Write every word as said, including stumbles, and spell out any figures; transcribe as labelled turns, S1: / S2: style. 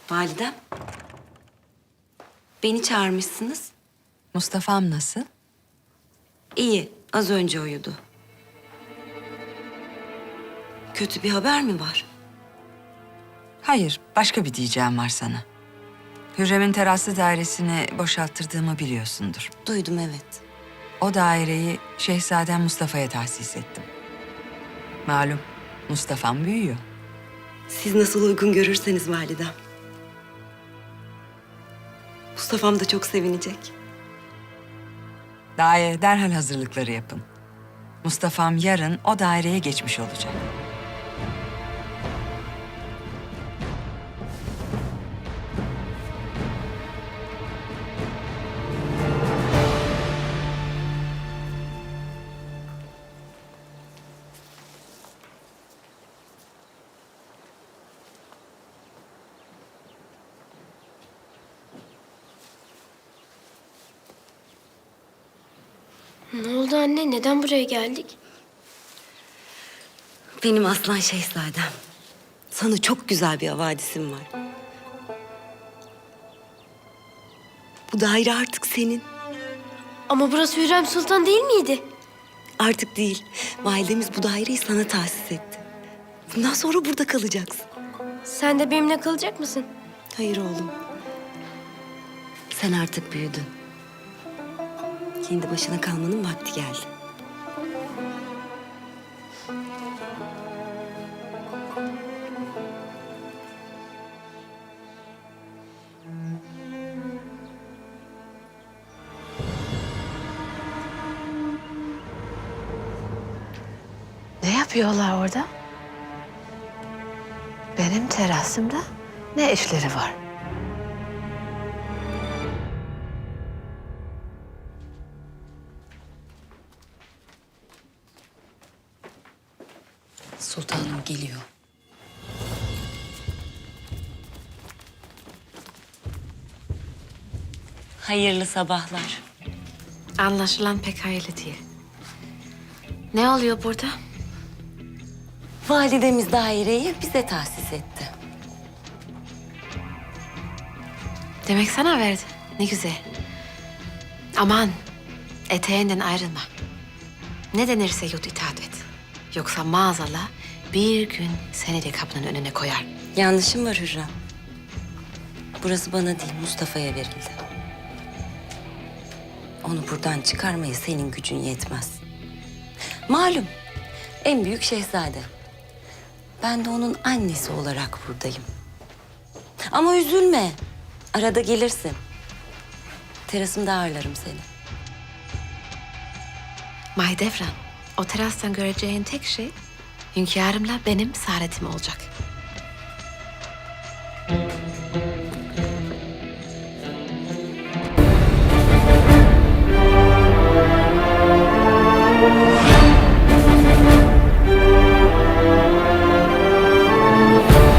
S1: Validem. Beni çağırmışsınız.
S2: Mustafa'm nasıl?
S1: İyi, az önce uyudu. Kötü bir haber mi var?
S2: Hayır, başka bir diyeceğim var sana. Hürrem'in teraslı dairesini boşalttırdığımı biliyorsundur.
S1: Duydum, evet.
S2: O daireyi Şehzadem Mustafa'ya tahsis ettim. Malum, Mustafa'm büyüyor.
S1: Siz nasıl uygun görürseniz validem. Mustafa'm da çok sevinecek.
S2: Daire derhal hazırlıkları yapın. Mustafa'm yarın o daireye geçmiş olacak.
S3: Ne oldu anne? Neden buraya geldik?
S1: Benim aslan şehzadem. Sana çok güzel bir havadisim var. Bu daire artık senin.
S3: Ama burası Hürrem Sultan değil miydi?
S1: Artık değil. Validemiz bu daireyi sana tahsis etti. Bundan sonra burada kalacaksın.
S3: Sen de benimle kalacak mısın?
S1: Hayır oğlum. Sen artık büyüdün. Kendi başına kalmanın vakti geldi.
S4: Ne yapıyorlar orada? Benim terasımda ne işleri var?
S1: Sultanım geliyor. Hayırlı sabahlar.
S4: Anlaşılan pek hayırlı değil. Ne oluyor burada?
S1: Validemiz daireyi bize tahsis etti.
S4: Demek sana verdi. Ne güzel. Aman, eteğinden ayrılma. Ne denirse yut itaat et. Yoksa maazallah bir gün seni de kapının önüne koyar.
S1: Yanlışım var Hürrem. Burası bana değil, Mustafa'ya verildi. Onu buradan çıkarmaya senin gücün yetmez. Malum, en büyük şehzade. Ben de onun annesi olarak buradayım. Ama üzülme, arada gelirsin. Terasımda ağırlarım seni.
S4: Mahidevran, o terastan göreceğin tek şey hünkârımla benim saadetim olacak.